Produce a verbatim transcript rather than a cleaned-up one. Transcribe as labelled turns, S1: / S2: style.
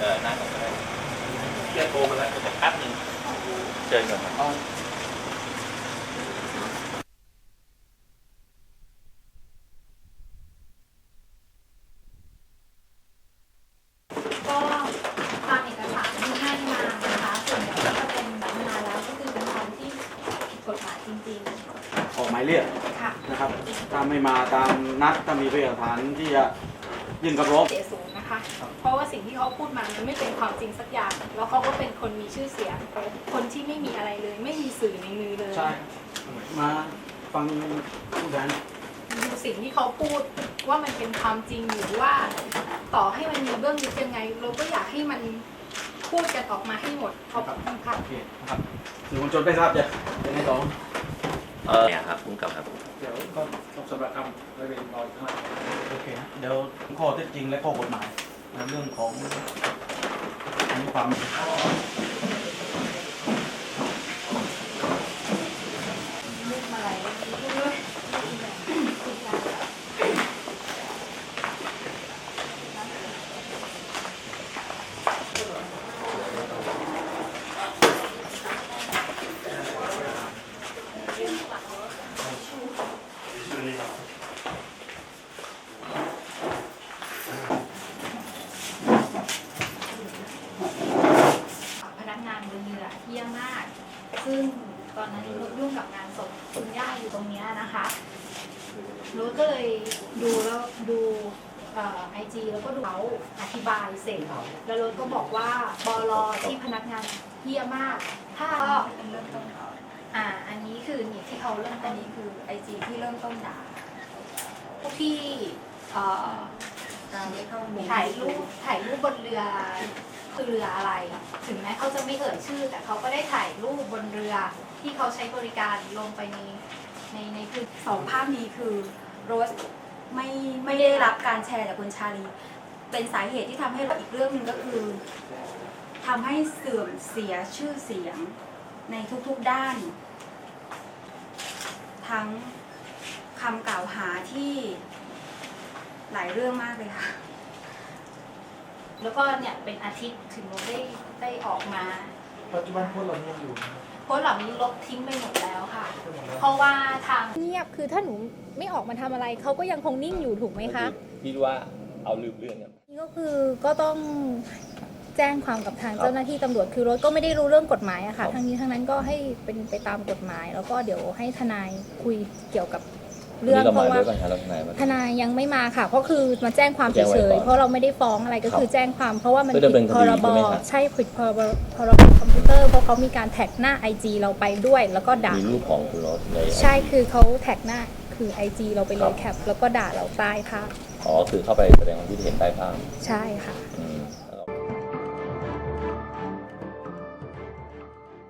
S1: ออนั่งก่อนก็ได้เรียกโทรมาแล้วจะแป๊บนึงเชิญก่อนครับ
S2: ก็ตามเอกสารที่ให้มานะคะส่วนใหญ่ก็จะเป็นแบบมาแล้วก็คือเป็นความที่ผิดกฎหมายจริงๆ
S3: ออกหมายเรียกนะครับถ้าไม่มาตามนัดถ้ามีพยานหลักฐานที่จะยื่นคำร้อง
S2: เสียสูงนะคะเพราะว่าสิ่งที่เขาพูดมามันไม่เป็นความจริงสักอย่างแล้วเขาก็เป็นคนมีชื่อเสียงคนที่ไม่มีอะไรเลยไม่มีสื่อในมือเลย
S3: ใช่มาฟังผู้แทน
S2: ดูสิ่งที่เขาพูดว่ามันเป็นความจริงหรือว่าต่อให้มันมีเบื้องลึกยังไงเราก็อยากให้มันพูดกันออกมาให้หมดขอบคุณค่ะ
S3: โอเคนะครับสื่อมวลชนไม่ทราบจะยังไงต่อ
S1: เออเนี่ยครับคุณกับครับ
S4: เดี๋ยวก็ต้องสำหรับคำไม่เป็นรอยข้างหลัง
S3: โอเคนะเดี๋ยวข้อเท็จจริงและข้อกฎหมายในเรื่องของมีความ
S2: พนักงานบนเรือเยี่ยมมากซึ่งตอนนั้นรุ้ยุ่งกับงานศพคุณย่าอยู่ตรงนี้นะคะรุ้ก็เลยดูแล้วดูไอจีแล้วก็ดูเขาอธิบายเสร็จแล้วรุ้ก็บอกว่าบลที่พนักงานเยี่ยมมากถ้าก็เริ่มต้นอ่าอันนี้คือนี่ที่เขาเริ่มอันนี้คือไอจีที่เริ่มต้นด่าพวกที่เอ่อถ่ายรูปถ่ายรูปบนเรือคือเรืออะไร ถึงแม้เขาจะไม่เอ่ยชื่อแต่เขาก็ได้ถ่ายรูปบนเรือที่เขาใช้บริการลงไปในในในคือ
S5: สองภาพนี้คือโรสไม่ไม่ได้รับการแชร์จากคุณชาลีเป็นสาเหตุที่ทำให้เราอีกเรื่องหนึ่งก็คือทำให้เสื่อมเสียชื่อเสียงในทุกๆด้าน ทั้งคำกล่าวหาที่หลายเรื่องมากเลยค่ะ
S2: แล้วก็เนี่ยเป็นอาทิตย์ถึงเราได้ได้ออกมา
S4: ปัจจุบันพวกเรายังอยู่
S2: โพสต์เหล่านี้ลบทิ้งไปหมดแล้วค่ะ เพราะว่าทาง
S6: เงียบคือถ้าหนูไม่ออกมาทำอะไรเขาก็ยังคงนิ่งอยู่ถูกไหมคะ
S1: คิดว่าเอาลืมเรื่องกัน
S6: นี่ก็คือก็ต้องแจ้งความกับทางเจ้าหน้าที่ตำรวจคือรถก็ไม่ได้รู้เรื่องกฎหมายอะค่ะทั้งนี้ทั้งนั้นก็ให้เป็นไปตามกฎหมาย แล้วก็เดี๋ยวให้ทนายคุยเกี่ยวกับเรื่องเพราะว่าทนายยังไม่มาค่ะเพราะคือมาแจ้งความเฉยๆเพราะเราไม่ได้ฟ้องอะไรก็คือแจ้งความเพราะว่ามันผิดพรบใช่ผิดพรบพรบคอมพิวเตอร์เพราะเขามีการแท็กหน้า ไอ จี เราไปด้วยแล้วก็ด่า
S1: มีรูปของคุณรถใน
S6: ใช่คือเขาแท็กหน้าคือ ไอ จี เราไปเลยแคปแล้วก็ด่าเราใต้ค่ะ
S1: อ๋อคือเข้าไปแสดงความคิดเห็นใต้ภาพ
S6: ใช่ค่ะ
S1: อืม